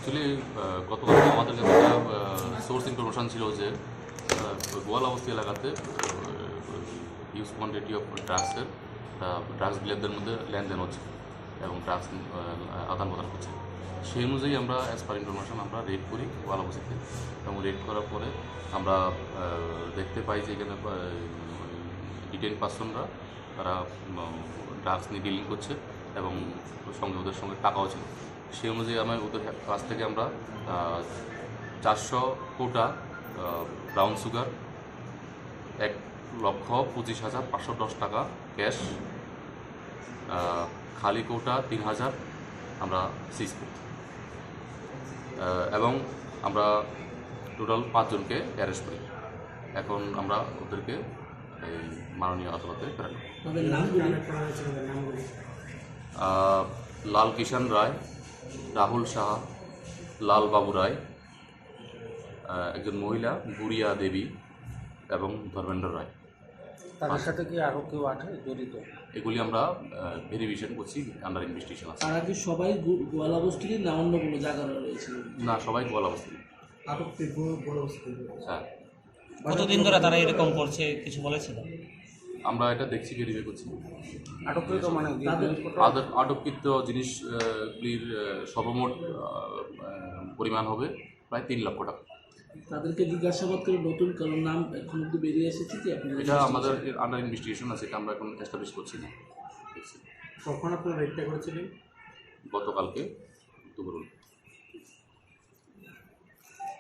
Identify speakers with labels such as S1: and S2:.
S1: Actually গতকাল আমাদের কাছে একটা সোর্স ইনফরমেশান ছিল যে গোয়ালাবস্তি এলাকাতে হিউজ কোয়ান্টিটি অফ ড্রাগসের ড্রাগস ডিলারদের মধ্যে লেনদেন হচ্ছে এবং ড্রাগস আদান প্রদান হচ্ছে। সেই অনুযায়ী আমরা অ্যাজ পার ইনফরমেশান আমরা রেড করি গোয়ালাবস্তিতে, এবং রেড করার পরে আমরা দেখতে পাই যে এখানে ডিটেইন পার্সনরা তারা ড্রাগস নিয়ে ডিলিং করছে এবং সঙ্গে ওদের সঙ্গে টাকাও ছিল। সেই অনুযায়ী ওদের কাছ থেকে আমরা 400 কোটা ব্রাউন সুগার, 1,25,510 টাকা ক্যাশ, খালি কোটা 3,000 আমরা সিজ করি এবং আমরা টোটাল 5 জনকে অ্যারেস্ট করি। এখন আমরা ওদেরকে এই মাননীয় আদালতে প্রেরণ করি। লাল কিষাণ রায়, রাহুল সাহা, লাল বাবু রায়, একজন মহিলা গুড়িয়া দেবী এবং ধর্মেন্দ্র রায়।
S2: তাদের সাথে কি আরও কেউ আছে জড়িত?
S1: এগুলি আমরা ভেরিফিকেশন করছি, আন্ডার ইনভেস্টিগেশন আছে।
S3: তারা কি সবাই গোয়ালাবস্তির না অন্য কোনো জায়গায় রয়েছে?
S1: না, সবাই গোয়ালাবস্তি। হ্যাঁ।
S4: কতদিন ধরে তারা এরকম করছে কিছু বলেছিল?
S1: আমরা এটা দেখছি, ভেরিফাই করছি।
S2: আটককৃত মানে
S1: আটককৃত জিনিসগুলির সর্বমোট পরিমাণ হবে প্রায় 3 লক্ষ টাকা।
S3: তাদেরকে জিজ্ঞাসাবাদ করে নতুন কারণ নাম এখন অব্দি বেরিয়ে এসেছে কি?
S1: এটা আমাদের আন্ডার ইনভেস্টিগেশন আছে, এটা আমরা এখন এস্টাবলিশ করছি না।
S2: কখন আপনারা রেডটা করেছিলেন?
S1: গতকালকে দুপুর।